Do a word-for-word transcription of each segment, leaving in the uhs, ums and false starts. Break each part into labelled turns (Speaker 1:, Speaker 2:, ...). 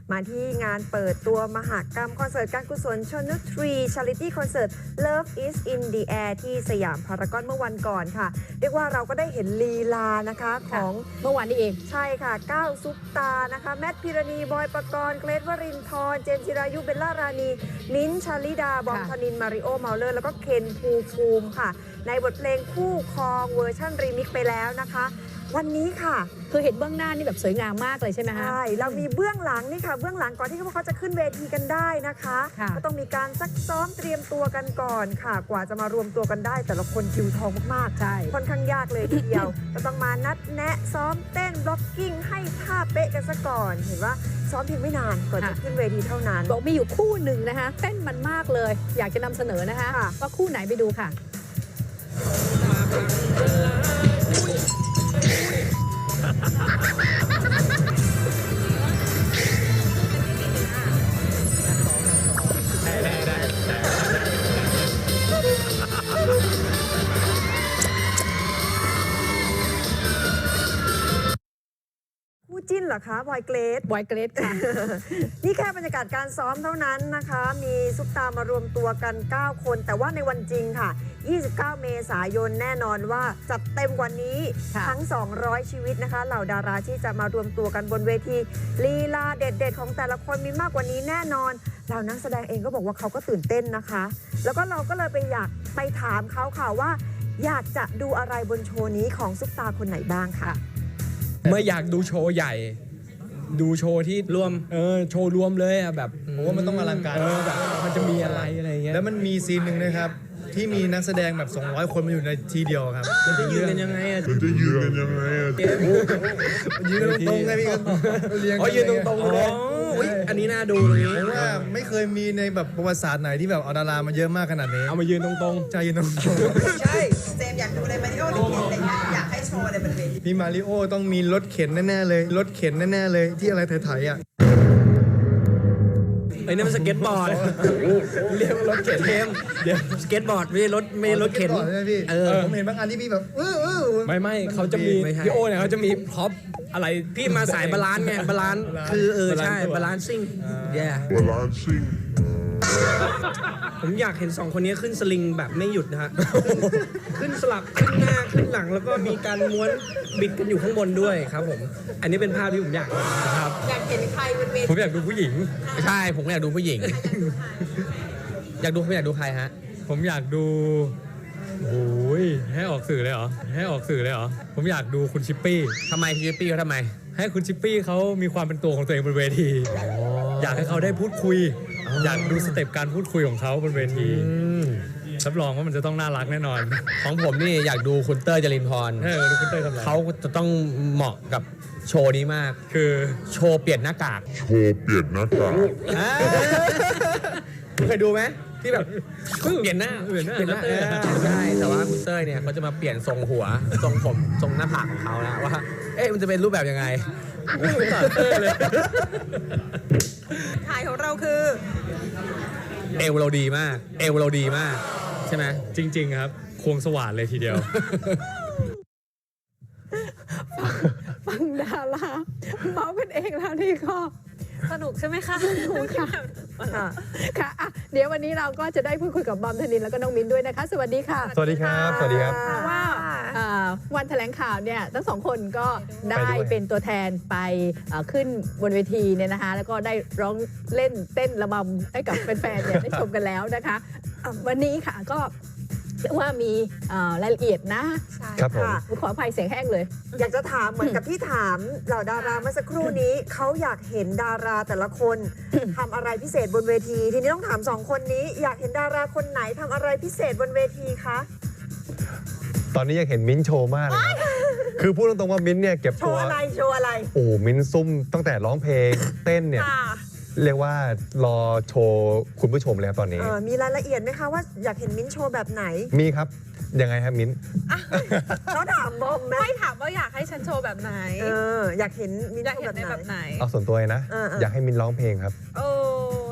Speaker 1: มาที่งานเปิดตัวมหกรรมคอนเสิร์ตการกุศลชนุทรี Charity Concert Love is in the Air ที่สยามพารากอนเมื่อวันก่อนค่ะเรียกว่าเราก็ได้เห็นลีลานะคะของ
Speaker 2: เมื่อวานนี้เอง
Speaker 1: ใช่ค่ะก้าวซุปตานะคะแมทพิรณีบอยปกรณ์เกรทวรินทร์เจนจิรายุเบลล่ารานีมิ้นท์ชาลิดาบอมธนินมาริโอเมาเลอร์แล้วก็เคนภูมิภูมิค่ะในบทเพลงคู่ครองเวอร์ชันรีมิกซ์ไปแล้วนะคะวันนี้ค่ะ
Speaker 2: คือเห็นเบื้องหน้านี่แบบสวยงามมากเลยใช่ไหมคะ
Speaker 1: ใช่เรามีเบื้องหลังนี่ค่ะเบื้องหลังก่อนที่พวกเขาจะขึ้นเวทีกันได้นะคะก็ต้องมีการซักซ้อมเตรียมตัวกันก่อนค่ะกว่าจะมารวมตัวกันได้แต่ละคนคิวทองมากๆ
Speaker 2: ใช่
Speaker 1: ค่อนข้างยากเลยทีเดียวก็ต้องมานัดแนะซ้อมเต้นบล็อกกิ้งให้ท่าเป๊ะกันซะก่อนเห็นว่าซ้อมเพียงไม่นานก่อนจะขึ้นเวทีเท่านั้น
Speaker 2: บอกมีอยู่คู่หนึ่งนะคะเต้นมันมากเลยอยากจะนำเสนอนะคะว่าคู่ไหนไปดูค่ะ
Speaker 1: คู่จิ้นเหรอคะบอยเกรท
Speaker 2: บอยเกรทค่ะ
Speaker 1: นี่แค่บรรยากาศการซ้อมเท่านั้นนะคะมีซุปตามารวมตัวกันเก้าคนแต่ว่าในวันจริงค่ะยี่สิบเก้าเมษายนแน่นอนว่าจัดเต็มกว่านี้ทั้งสองร้อยชีวิตนะคะเหล่าดาราที่จะมารวมตัวกันบนเวทีลีลาเด็ดๆของแต่ละคนมีมากกว่านี้แน่นอนเหล่านักแสดงเองก็บอกว่าเขาก็ตื่นเต้นนะคะแล้วก็เราก็เลยไปอยากไปถามเขาค่ะว่าอยากจะดูอะไรบนโชว์นี้ของซุปตาคนไหนบ้างค่ะ
Speaker 3: เมื่ออยากดูโชว์ใหญ่ดูโชว์ที่รวมเออโชว์รวมเลยอ่ะแบบ
Speaker 4: ผมว่ามันต้องอลังการ
Speaker 3: แบบมันจะมีอะไรอะไรเงี้ย
Speaker 4: แล้วมันมีซีนหนึ่งนะครับที่มีนักแสดงแบบสองร้อยคนมาอยู่ในทีเดียวครับ
Speaker 3: มันจะยืนกันยังไงอ่ะ
Speaker 5: มันจะยืนกันยังไงอ่ะ
Speaker 4: ยืนตรงๆไงพี่เรียง
Speaker 3: อ๋อยืนตรงๆเลยอันนี้น่าดูเลย
Speaker 4: ผมว่าไม่เคยมีในแบบประวัติศาสตร์ไหนที่แบบเอาดารามาเยอะมากขนาดนี้
Speaker 3: เอามายืนตรง
Speaker 4: ๆใช่ยืนตรง
Speaker 6: ๆใช่เจมอยากดูอะไรมาริโอหรือเคนอะไรเงี้ยอยากให้โชว์อะไรบนเวที
Speaker 4: พี่มาริโอต้องมีรถเข็นแน่ๆเลยรถเข็นแน่ๆเลยที่อะไรไถๆอ่ะ
Speaker 3: ไอ้นี่มันสเก็ตบอร์ดเรียกว่ารถเข็นเทมเดี๋ยวสเก็ตบอร์ดไม่ใช่รถไม่ใช่รถเข็น
Speaker 4: ใช่พี่ผมเห็นบางอันที่พี่แบบเออเออ
Speaker 3: ไม่ไม่เขาจะมีพี่โอเนี่ยเขาจะมีพร็อพอะไรพี่มาสายบาลานซ์ไงบาลานซ์คือเออใช่บาลานซิ่งแย่
Speaker 5: บาลานซิ่ง
Speaker 3: ผมอยากเห็นสองคนนี้ขึ้นสลิงแบบไม่หยุดนะฮะขึ้นสลับขึ้นหน้าขึ้นหลังแล้วก็มีการม้วนบิดกันอยู่ข้างบนด้วยครับผมอันนี้เป็นภาพที่ผมอยากครับ
Speaker 6: อยากเห็นใครบนเวที
Speaker 3: ผมอยากดูผู้หญิง
Speaker 7: ใช่ผมอยากดูผู้หญิงอยากดูผมอยากดูใครฮะ
Speaker 3: ผมอยากดูโอ้ยให้ออกสื่อเลยเหรอให้ออกสื่อเลยเหรอผมอยากดูคุณชิปปี้
Speaker 7: ทำไมชิปปี้เขาทำไม
Speaker 3: ให้คุณชิปปี้เขามีความเป็นตัวของตัวเองบนเวทีอยากให้เขาได้พูดคุยอยากดูสเต็ปการพูดคุยของเขาบนเวทีรับรองว่ามันจะต้องน่ารักแน่นอน
Speaker 7: ของผมนี่อยากดูคุณเต้ยจรินพร
Speaker 3: เออคุณเต้ยทำอะไร
Speaker 7: เขาจะต้องเหมาะกับโชว์นี้มาก
Speaker 3: คือ
Speaker 7: โชว์เปลี่ยนหน้ากาก
Speaker 5: โชว์เปลี่ยนหน้ากาก
Speaker 7: เคยดูไหมที่แบบเปลี่ยนหน้าเปลี่ยนหน้าใช่แต่ว่าคุณเต้ยเนี่ยเขาจะมาเปลี่ยนทรงหัวทรงผมทรงหน้าผากของเขาแล้วว่าเอ๊ะมันจะเป็นรูปแบบยังไง
Speaker 6: ถ่ายของเราคือ
Speaker 7: เอวเราดีมากเอวเราดีมากใช่ไหม
Speaker 3: จริงๆครับควงสว่านเลยทีเดียว
Speaker 2: ฟังดาราเมากันเองแล้วนี่ก็
Speaker 6: สนุกใช่ไหมคะ
Speaker 2: สนุกค่ะค่ะอ่ะเดี๋ยววันนี้เราก็จะได้พูดคุยกับบอมธนินแล้วก็น้องมิ้นด้วยนะคะสวัสดีค่ะ
Speaker 4: สวัสดีครับสวัสดีครับ
Speaker 2: ว่าวันแถลงข่าวเนี่ยทั้งสองคนก็ได้เป็นตัวแทนไปขึ้นบนเวทีเนี่ยนะคะแล้วก็ได้ร้องเล่นเต้นระบำให้กับแฟนๆเนี่ยได้ชมกันแล้วนะคะวันนี้ค่ะก็ว่ามีรายละเอียดนะ
Speaker 1: ใช่ค่ะ
Speaker 2: ขออภัยเสียงแห้งเลย
Speaker 1: อยากจะถามเหมือนกับที่ถามเหล่าดาราเมื่อสักครู่นี้เขาอยากเห็นดาราแต่ละคนทำอะไรพิเศษบนเวทีทีนี้ต้องถามสองคนนี้อยากเห็นดาราคนไหนทำอะไรพิเศษบนเวทีคะ
Speaker 8: ตอนนี้อยากเห็นมิ้นโชว์มากเลยคือพูดตรงๆว่ามิ้นเนี่ยเก็บตัว
Speaker 1: โชว์อะไรโชว์อะไร
Speaker 8: โอ้มิ้นซุ่มตั้งแต่ร้องเพลงเต้นเนี่ยเรียกว่ารอโชว์คุณผู้ชมแล้วตอนนี้
Speaker 1: มีรายละเอียดไหมคะว่าอยากเห็นมิ้นโชว์แบบไหน
Speaker 8: มีครับยังไงครับมิ้น
Speaker 1: เขาถามบอมไหม
Speaker 6: ไม่ถามว่าอยากให้ฉันโชว์แบบไหน
Speaker 1: เอออยากเห็นมิ้นโชว์แบบไหน
Speaker 6: แบบไหน
Speaker 8: เอาส่วนตัวนะอยากให้มิ้นร้องเพลงครับ
Speaker 6: โอ้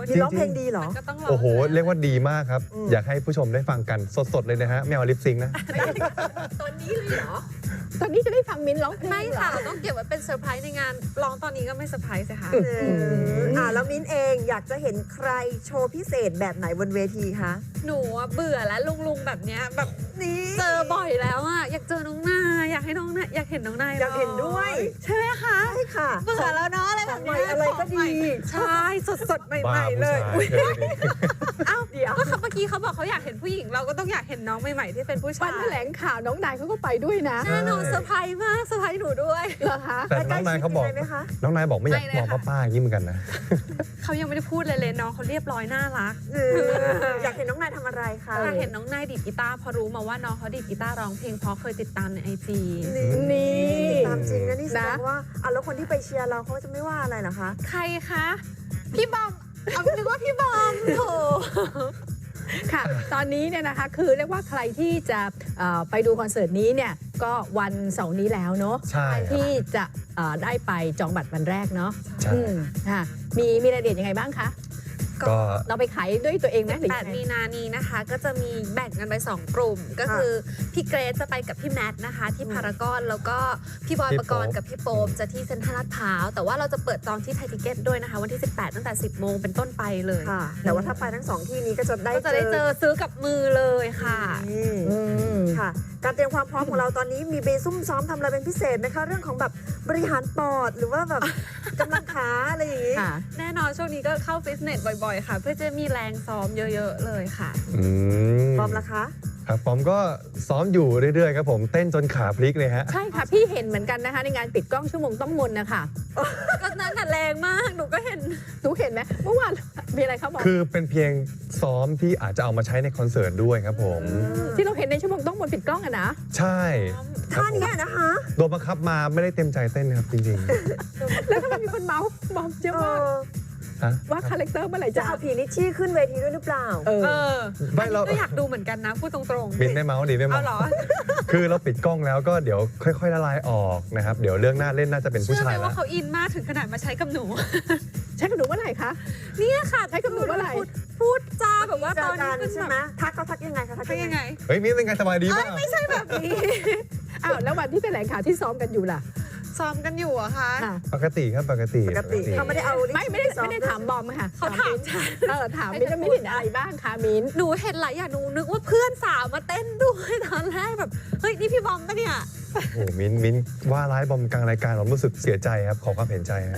Speaker 1: นี่ร้องเพลงดีเหรอ
Speaker 6: ก็ต้องรอ
Speaker 8: โอ้โห เรียกว่าดีมากครับ
Speaker 1: อืม
Speaker 8: อยากให้ผู้ชมได้ฟังกันสดๆเลยนะฮะไม่เอาลิปซิงค์นะ
Speaker 2: ตอนนี้เลยเหรอ ตอนนี้จะได้ฟังมิ้นร้องเพลง
Speaker 9: ไม่
Speaker 2: เหรอ
Speaker 9: ค่ะ เราต้องเก็บไว้เป็นเซอร์ไพรส์ในงานร้องตอนนี้ก็ไม่เซอร์ไพรส์สิคะ
Speaker 1: เอออ่าแล้วมิ้นเองอยากจะเห็นใครโชว์พิเศษแบบไหนบนเวทีคะ
Speaker 9: หนูอะเบื่อแล้วลุงๆแบบเนี้ยแบบ
Speaker 1: นี่
Speaker 9: เจอบ่อยแล้วอะอยากเจอน้องนายอยากให้น้องนายอยากเห็นน้องนาย
Speaker 1: อยากเห็นด้วย
Speaker 9: ใช่ไหมคะ
Speaker 1: ใช่ค่ะ
Speaker 9: เบื่อแล้วเนาะอะไรแบบเนี้ย
Speaker 1: ของใหม่อะไรก็ดี
Speaker 9: ใช่สดๆให
Speaker 8: บ้า
Speaker 9: ม่ๆ
Speaker 8: ผู้
Speaker 9: เลย
Speaker 8: ชาย
Speaker 9: อุ๊ย
Speaker 8: เออนี่
Speaker 9: เอ้าเดี๋ยวก็เขาเมื่อกี้เขาบอกเขาอยากเห็นผู้หญิงเราก็ต้องอยากเห็นน้องใหม่ๆที่เป็นผู้
Speaker 2: วั
Speaker 9: ชาน ย
Speaker 2: แถลงข่าวน้องนายเขาก็ไปด้วยนะ
Speaker 9: แน่นอนเซอร์ไพรส์มากเซอร์ไพรส์หนูด้วย
Speaker 2: เหรอคะ
Speaker 8: แต่น้องนายเขาบอก
Speaker 1: ใกล้ชิดยังไงไหมคะ
Speaker 8: น้องนายบอกไม่อยาก
Speaker 9: ไม่เลย
Speaker 8: มอง
Speaker 9: ค่ะ
Speaker 8: ป้าๆอย่างนี้เหมือนกันนะ
Speaker 9: เขายังไม่ได้พูดเลยเลยน้องเขาเรียบร้อยน่ารัก
Speaker 1: เอออยากเห็นน้องนายทำอะไรคะ
Speaker 9: อยากเห็นน้องนายดีดกีตาร์พอรู้มาว่าน้องเขาดีดกีตาร์ร้องเพลงเพราะเคยติดตามในไอจี
Speaker 1: นี่
Speaker 2: นี่
Speaker 1: ตามจริงนะนี่แสดง
Speaker 2: นะ
Speaker 1: ว่าอ่ะแล้วคนที่ไปเชียร์เราเขาจะไม่ว่าอะไรเหรอคะ
Speaker 9: ใครคะ พี่บอมเอานึกว่าพี่บอมโถ
Speaker 2: ค่ะ ตอนนี้เนี่ยนะคะคือเรียกว่าใครที่จะเอ่อไปดูคอนเสิร์ตนี้เนี่ยก็วันเสาร์นี้แล้วเนาะ
Speaker 8: ใช่ครับ
Speaker 2: ที่จะเอ่อได้ไปจองบัตรวันแรกเนาะ
Speaker 8: ใช่
Speaker 2: อืมค่ะมีมีรายละเอียดยังไงบ้างคะ
Speaker 8: ก็
Speaker 2: เราไปขายด้วยตัวเองไหมหรือ
Speaker 9: แป
Speaker 2: ยั
Speaker 9: ด
Speaker 2: งไง
Speaker 9: มีนานี้นะคะ ก็จะมีแบ่งกันไปสองกลุ่ม ก็คือพี่เกรซจะไปกับพี่แมทนะคะ ที่พารากอนแล้วก็พี่บอย
Speaker 8: พี่
Speaker 9: ปกรณ์
Speaker 8: โป๊ป
Speaker 9: กับพี่โป๊ปจะที่เซ็นทรัลลาดพร้าวแต่ว่าเราจะเปิดจองที่ไทยทิเก็ตด้วยนะคะ วันที่สิบแปดตั้งแต่สิบโมงเป็นต้นไปเลย
Speaker 1: ค่ะ แต่ว่าถ้าไปทั้งสองที่นี้ก็จะได้
Speaker 9: ก็จะได้เจอซื้อกับมือเลยค่ะ
Speaker 1: นี่
Speaker 2: อืม
Speaker 1: ค่ะ การเตรียมความพร้อมของเราตอนนี้มีไปซุ่มซ้อมทำอะไรเป็นพิเศษไหมคะ เรื่องของแบบบริหารปอดหรือว่าแบบ กำลังขาอะไรอย่างนี้
Speaker 2: ค่ะ
Speaker 9: แน่นอนช่วงนี้ก็เข้าฟิตเนสบ่อยๆ ค่ะ เพื่อจะมีแรงซ้อมเยอะๆเลยค่ะ
Speaker 8: อืม
Speaker 1: พร้อมละคะ
Speaker 8: ครับผมก็ซ้อมอยู่เรื่อยๆครับผมเต้นจนขาพลิกเลยฮะ
Speaker 2: ใช่ค่ะ พี่เห็นเหมือนกันนะคะ ในงานปิดกล้องชั่วโมงต้องมนนะคะ
Speaker 9: ก็นั้นน่ะแรงมากหนูก็เห็น
Speaker 2: หนูเห็นไหมเมื่อวานมีอะไรเขาบอก
Speaker 8: คือเป็นเพียงซ้อมที่อาจจะเอามาใช้ในคอนเสิร์ตด้วยครับผม
Speaker 2: ที่เราเห็นในชั่วโมงต้องมนปิดกล้องอะนะ
Speaker 8: ใช่
Speaker 1: ท่านี้นะคะ
Speaker 8: โดนบังคับมาไม่ได้เต็มใจเต้นนะครับจริง
Speaker 2: แล้วทำไมมีคนเมาส์บอกเยอะ
Speaker 1: เอ
Speaker 2: มาก
Speaker 1: อ
Speaker 8: ๆฮะ
Speaker 2: ว่าคาแรคเตอร์เมื่อไหร่
Speaker 1: จะ
Speaker 2: จะ
Speaker 1: เอาผีลิชชี่ขึ้นเวทีด้วยหรือเปล่า
Speaker 2: เออ
Speaker 9: เออ
Speaker 8: ไม่เรา
Speaker 9: ก็อยากดูเหมือนกันนะ พูดตรงๆ
Speaker 8: บินได้เมาส์ดีได้
Speaker 9: เอา
Speaker 8: เมาส์
Speaker 9: เหรอ
Speaker 8: คือเราปิดกล้องแล้วก็เดี๋ยวค่อยๆละลายออกนะครับ เดี๋ยวเรื่องหน้าเล่นน่าจะเป็นผู้
Speaker 9: เชื่อไห
Speaker 8: ชาม ย
Speaker 9: ว่า
Speaker 8: แล้ว
Speaker 9: เขาอินมากถึงขนาดมาใช้กับหนู
Speaker 2: ใช้กับหนูเมื่อไหร่คะ
Speaker 9: เนี่ยค่ะ
Speaker 2: ใช้กับหนูเมื่อไหร่
Speaker 9: พูดพูดจาแบบว่า
Speaker 1: เจ
Speaker 9: ตอ
Speaker 1: อน กั
Speaker 9: นี้
Speaker 1: น
Speaker 9: ขึ้น
Speaker 1: ใช่
Speaker 9: แบ
Speaker 1: ไหม
Speaker 9: บ
Speaker 1: ทักเขาทักยังไงคะทัก
Speaker 9: เป็น
Speaker 1: ยั
Speaker 9: ยัง ง
Speaker 1: ไง
Speaker 9: ไง
Speaker 8: เฮ้ยมิ้นเป็นไงสบายดี
Speaker 9: เอ้
Speaker 8: ป่ะ
Speaker 9: ยไม่ใช่แบบนี้
Speaker 2: อ้าวแล้ววันที่แถลงข่าวที่ซ้อมกันอยู่ล่ะ
Speaker 9: ซ้อมกันอยู่อะคะ
Speaker 2: ค่ะ
Speaker 8: ปกติครับปกติ
Speaker 1: ปกติเขาไม่ได้เอาลิช
Speaker 2: ไม่
Speaker 1: ชี่
Speaker 2: ไม่ได้
Speaker 1: ซ้อ
Speaker 2: ไม่ได้ถามบอมค่ะ
Speaker 9: เขาถามฉัน
Speaker 2: เออถามมิ้นว่ามิ้นเห็นอะไรบ้างคะมิ้น
Speaker 9: หนูเห็นหลายอย่างหนูนึกว่าเพื่อนสาวมาเต้นด้วยตอนแรกแบบเฮ้ยนี่พี่บอมปะเนี่ย
Speaker 8: โอ้โหมิ้นมิ้นว่าร้ายบอมกลางรายการผมรู้สึกเสียใจครับขอความเห็นใจนะ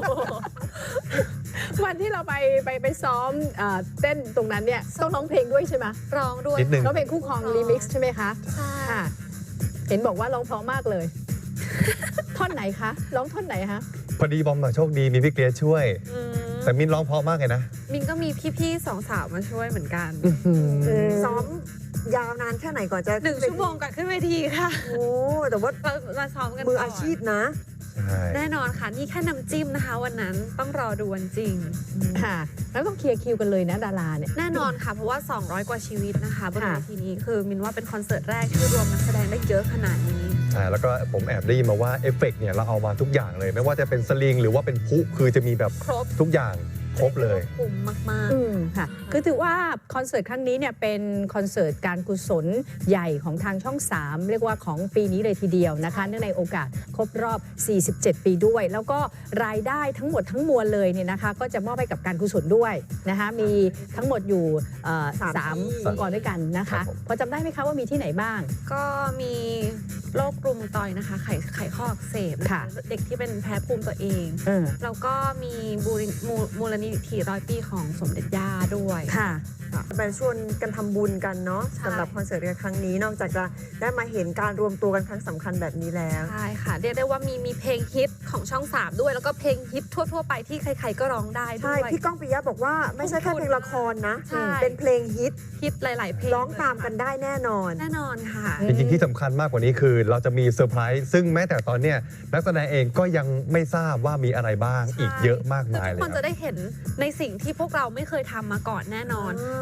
Speaker 2: วันที่เราไปไปไปซ้อมเอ่อเต้นตรงนั้นเนี่ยต้องร้องเพลงด้วยใช่ไหม
Speaker 9: ร้องด้วย
Speaker 8: นิดนึง
Speaker 2: ร้องเพลงคู่ครองรีมิกซ์ใช่ไหมคะ
Speaker 9: ใช่
Speaker 2: ค่ะ เห็นบอกว่าร้องเพราะมากเลย ท่อนไหนคะร้องท่อนไหนคะ
Speaker 8: พอดีบอมมาโชคดีมีพี่เกรซช่วย
Speaker 9: อืม
Speaker 8: แต่มิ้นร้องเพราะมากเลยนะ
Speaker 9: มินก็มีพี่ๆสองสาวมาช่วยเหมือนกัน
Speaker 1: ซ้อมยาวนานแค่ไหนก่อนจะ
Speaker 9: หนึ่งชั่วโมงก่อนขึ้นเวทีค่ะ
Speaker 1: โอ้แต่ว่า
Speaker 9: เรามาซ้อมกัน
Speaker 1: มือ
Speaker 9: ก่น
Speaker 1: อาชีพนะ
Speaker 8: ใช่
Speaker 9: แน่นอนค่ะ นี่แค่น้ำจิ้มนะคะ วันนั้นต้องรอดูวันจริง
Speaker 2: ค่ะ แล้วต้องเคลียร์คิวกันเลยนะดาราเนี่ย
Speaker 9: แน่นอนค่ะ เพราะว่า สองร้อย กว่าชีวิตนะคะบน
Speaker 2: ค่ะ
Speaker 9: เวทีนี้คือมินว่าเป็นคอนเสิร์ตแรกที่รวมนักแสดงได้เยอะขนาดนี้
Speaker 8: ใช่แล้วก็ผมแอบได้ยินมาว่าเอฟเฟกต์เนี่ยเราเอามาทุกอย่างเลย ไม่ว่าจะเป็นสลิงหรือว่าเป็นพลุคือจะมีแบบ
Speaker 9: ครบ
Speaker 8: ทุกอย่างครบเลย
Speaker 9: คุ้มมาก
Speaker 2: อืมค่ะ คือถือว่าคอนเสิร์ตครั้งนี้เนี่ยเป็นคอนเสิร์ตการกุศลใหญ่ของทางช่อง สาม เรียกว่าของปีนี้เลยทีเดียวนะคะเนื่องในโอกาสครบรอบ สี่สิบเจ็ด ปีด้วย แล้วก็รายได้ทั้งหมดทั้งมวลเลยเนี่ยนะคะ ก็จะมอบให้กับการกุศลด้วยนะคะ มีทั้งหมดอยู่เอ่อ
Speaker 1: สาม
Speaker 2: สาม
Speaker 1: ที่
Speaker 2: องค์กรด้วยกันนะ
Speaker 8: ครั
Speaker 2: คะ
Speaker 8: บผม
Speaker 2: พอจำได้ไหมคะว่ามีที่ไหนบ้าง
Speaker 9: ๆ ก็มีโรครุมตอยนะคะ ไขไขข้ออักเสบน
Speaker 2: ค่ะ
Speaker 9: เด็กที่เป็นแพ้ภูมิตัวเอง
Speaker 2: เออ
Speaker 9: แล้วก็มีบูริมูมูลนิธิร้อยปีของสมเด็จย่าด้วย
Speaker 2: ค่ะ
Speaker 1: ไปชวนกันทำบุญกันเนาะ
Speaker 9: ใช่
Speaker 1: สำหรับคอนเสิร์ตในครั้งนี้นอกจากจะได้มาเห็นการรวมตัวกันครั้งสำคัญแบบนี้แล้ว
Speaker 9: ใช่ค่ะ เรียกได้ว่ามีมีเพลงฮิตของช่องสามด้วย แล้วก็เพลงฮิตทั่ว ๆ ไปที่ใคร ๆ ก็ร้องได้ด้
Speaker 1: ใช่
Speaker 9: วย
Speaker 1: พี่ก้องปิยะบอกว่าไม่ใช่แค่เพลงละครนะ
Speaker 9: ใช่
Speaker 1: เป็นเพลงฮิต
Speaker 9: ฮิตหลาย ๆ เพลง
Speaker 1: ร้องตามกันได้แน่นอน
Speaker 9: แน่นอนค่ะ
Speaker 8: จริงๆที่สำคัญมากกว่านี้คือเราจะมีเซอร์ไพรส์ซึ่งแม้แต่ตอนเนี้ยนักแสดงเองก็ยังไม่ทราบว่ามีอะไรบ้าง
Speaker 9: ใช่
Speaker 8: อีกเยอะมาก
Speaker 9: คือ
Speaker 8: มาย
Speaker 9: ทุก
Speaker 8: เลย
Speaker 9: คน
Speaker 8: ค
Speaker 9: จะ
Speaker 8: รับ
Speaker 9: ได้เห็นในสิ่งที่พวกเราไม่เคยทำมาก่อนแน่นอน
Speaker 1: อ่า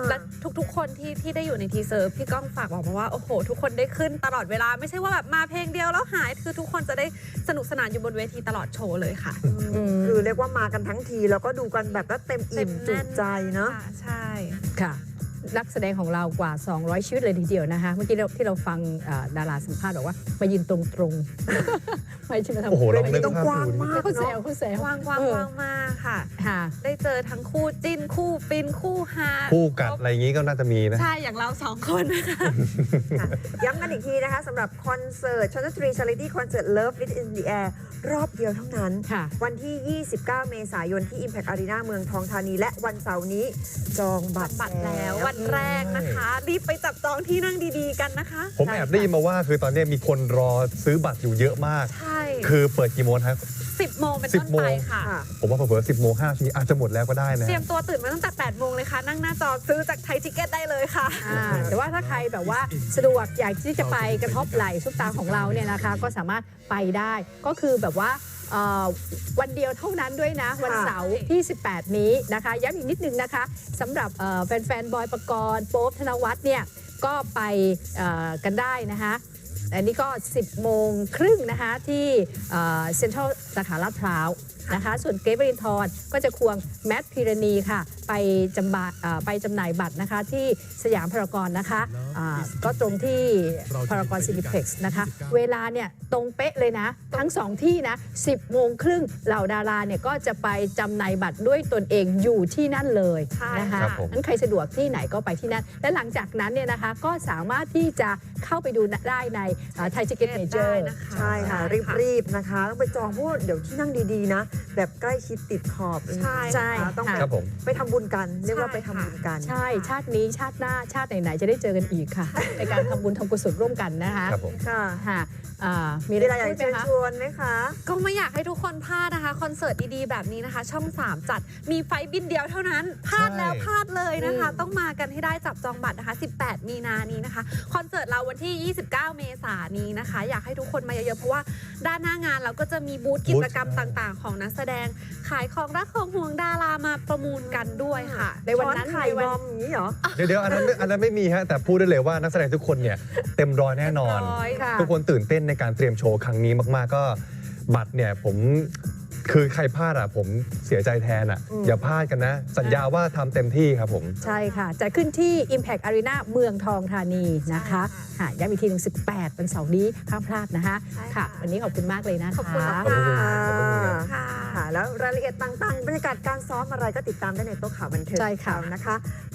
Speaker 9: และทุกๆ คนที่ที่ได้อยู่ในทีเซอร์พี่ก้องฝากบอกมาว่าโอ้โหทุกคนได้ขึ้นตลอดเวลาไม่ใช่ว่าแบบมาเพลงเดียวแล้วหายคือทุกคนจะได้สนุกสนานอยู่บนเวทีตลอดโชว์เลยค่ะ
Speaker 1: คือเรียกว่ามากันทั้งทีแล้วก็ดูกันแบบว่าเต็มอิ่มจุใจเนาะ
Speaker 9: ค่ะใช่
Speaker 2: ค่ะนักแสดงของเรากว่า สองร้อย ชีวิตเลยทีเดียวนะคะเมื่อกี้เราที่เราฟังอ่าดาราสัมภาษณ์บอกว่ามายืนตรงๆ ไม่ใช่มาทำ
Speaker 8: โอ้โหลอง
Speaker 1: เว
Speaker 8: นึ
Speaker 1: ที
Speaker 8: ก
Speaker 1: ต้อง
Speaker 8: ภาพ
Speaker 1: กว้าง
Speaker 8: ดู
Speaker 1: มาก
Speaker 2: เขาแซ
Speaker 1: เนาะ
Speaker 2: วเขาแซว
Speaker 9: วางวาง
Speaker 2: เออ
Speaker 9: วางมากค่ะ
Speaker 2: ค่ะ
Speaker 9: ได้เจอทั้งคู่จิ้นคู่ฟินคู่ฮา
Speaker 8: คู่กัดอะไรอย่างงี้ก็น่าจะมีนะ
Speaker 9: ใช่อย่างเราสองคนนะคะ
Speaker 1: ค่ะย้ำกันอีกทีนะคะสำหรับคอนเสิร์ตชนทรีชาริตี้คอนเสิร์ต Love It in the Air รอบเดียวเท่านั้น
Speaker 2: ค่ะ
Speaker 1: วันที่ ยี่สิบเก้า เมษายนที่ Impact Arena เมืองทองธานี และวันเสาร์นี้จองบัตร
Speaker 9: บัตรแล้ววันแรกนะคะรีบไปจับจองที่นั่งดีๆกันนะคะ
Speaker 8: ผมแอบได้ยินมาว่าคือตอนนี้มีคนรอซื้อบัตรอยู่เยอะมาก
Speaker 9: ใช่
Speaker 8: คือเปิดกี่โมงครับ
Speaker 9: สิบโมงเป็น
Speaker 8: สิ
Speaker 9: ต้
Speaker 8: บ
Speaker 9: น
Speaker 8: โมง
Speaker 9: ไปค่ะ
Speaker 1: ค่ะ
Speaker 8: ผมว่าเผื่อสิบโมงห้าทีอาจจะหมดแล้วก็ได้นะ
Speaker 9: เตรียมตัวตื่นมาตั้งแต่แปดโมงเลยค่ะ นั่งหน้าจอซื้อจากไทยทิเก็ตได้เลยค่ะ
Speaker 2: อ่าแต่ว่าถ้าใครแบบว่าสะดวกอยากที่จะไปกระทบไหล่ซุปตาของเราเนี่ยนะคะ ก็สามารถไปได้ก็คือแบบว่าเอ่อวันเดียวเท่านั้นด้วยนะ วันเสาร์ที่ สิบแปด นี้นะคะย้ำอีกนิดนึงนะคะสำหรับเอ่อแฟนๆบอยปกรณ์โป๊ปธนวัฒน์เนี่ยก็ไปเอ่อกันได้นะคะอันนี้ก็ สิบโมงครึ่งนะคะที่เซ็นทรัลสาขาลาดพร้าวนะคะส่วนเกรทวรินทร์ก็จะควงแมทพิรณีค่ะไปจำบะเอ่อไปจำหน่ายบัตรนะคะที่สยามพารากอนนะคะอ่าก็ตรงที่พารากอนซินิเพล็กซ์นะคะเวลาเนี่ยตรงเป๊ะเลยนะทั้งสองที่นะสิบโมงครึ่งเหล่าดาราเนี่ยก็จะไปจำหน่ายบัตรด้วยตนเองอยู่ที่นั่นเลย
Speaker 9: ใช่
Speaker 2: นะคะ
Speaker 8: ครับผม
Speaker 2: นั้นใครสะดวกที่ไหนก็ไปที่นั่นและหลังจากนั้นเนี่ยนะคะก็สามารถที่จะเข้าไปดูได้ในไทยทิเก็ตเมเจอ
Speaker 9: ได้
Speaker 2: ร์
Speaker 9: นะคะ
Speaker 1: ใช่ค่ะ รีบๆนะคะ ต้องไปจองเพราะว่าเดี๋ยวที่นั่งดีๆนะ แบบใกล้ชิดติดขอบ
Speaker 9: ใช่
Speaker 2: ใช่
Speaker 1: นะคะต้อง
Speaker 2: ค่ะ
Speaker 8: ครับผม
Speaker 1: ไปทำบุญกัน เรียกว่าไปทำบุญกัน
Speaker 2: ใช่ชาตินี้ชาติหน้าชาติไหนๆจะได้เจอกันอีกค่ะ ในการทำบุญทำกุศลร่วมกันนะคะ
Speaker 8: ครับผม
Speaker 1: ค่ะ
Speaker 2: ค่ะอ่ามี
Speaker 1: มี
Speaker 2: อะไร
Speaker 1: อะไรอยาก
Speaker 2: พูดไหม
Speaker 1: เชิญ
Speaker 2: คะ
Speaker 1: ชวนไหมคะ
Speaker 9: ก็ไม่อยากให้ทุกคนพลาดนะคะ คอนเสิร์ตดีๆ แบบนี้นะคะ ช่อง สาม จัดมีไฟล์บินเดียวเท่านั้น พลาดแล้ว
Speaker 8: ใช่
Speaker 9: พลาดเลยนะคะ
Speaker 2: อืม
Speaker 9: ต้องมากันให้ได้จับจองบัตรนะคะ สิบแปด มีนานี้นะคะ คอนเสิร์ตเราวันที่ ยี่สิบเก้า เมษายนนี้นะคะ อยากให้ทุกคนมาเยอะๆ เพราะว่าด้านหน้างานเราก็จะมีบูธกิจกรรมต่างๆ ของนักแสดงขายของรักของห่วงดารามาประมูลกันด้วยค่ะ
Speaker 2: ในวันนั้น
Speaker 1: ช้อไข่
Speaker 2: ใน
Speaker 1: บ
Speaker 2: วัน
Speaker 1: อมอย่างนี้เหรอ
Speaker 8: เดี๋ยวเดี๋ยวอันนั้นอันนั้นไม่มีฮะแต่พูดได้เลยว่านักแสดงทุกคนเนี่ยเต็มร้อยแน่นอน
Speaker 9: ร้อย
Speaker 2: ค่ะ
Speaker 8: ทุกคนตื่นเต้นในการเตรียมโชว์ครั้งนี้มากๆก็บัตรเนี่ยผมคือใครพลาดอ่ะผมเสียใจแทนอ่ะ
Speaker 1: อืม
Speaker 8: อย่าพลาดกันนะ สัญญาว่าทำเต็มที่ครับผม
Speaker 2: ใช่ค่ะจะขึ้นที่ Impact Arena เมืองทองธานีนะคะค่ะย้ำอีกทีหนึ่งสิบแปดเป็นเสาร์นี้ห้ามพลาดนะคะ
Speaker 9: ใช่
Speaker 2: ค่ะ
Speaker 9: ค่ะ
Speaker 2: วันนี้ขอบคุณมากเลยนะคะ
Speaker 9: ขอบคุณ
Speaker 1: ข
Speaker 9: มา
Speaker 1: อก บคุณค่ะ
Speaker 9: ค่ะ
Speaker 1: ค่ะ แล้วรายละเอียดต่างๆ บรรยากาศการซ้อมอะไรก็ติดตามได้ในโต๊ะข่าวบันเทิง
Speaker 2: ใช่ค่ะ
Speaker 1: ของเรานะคะ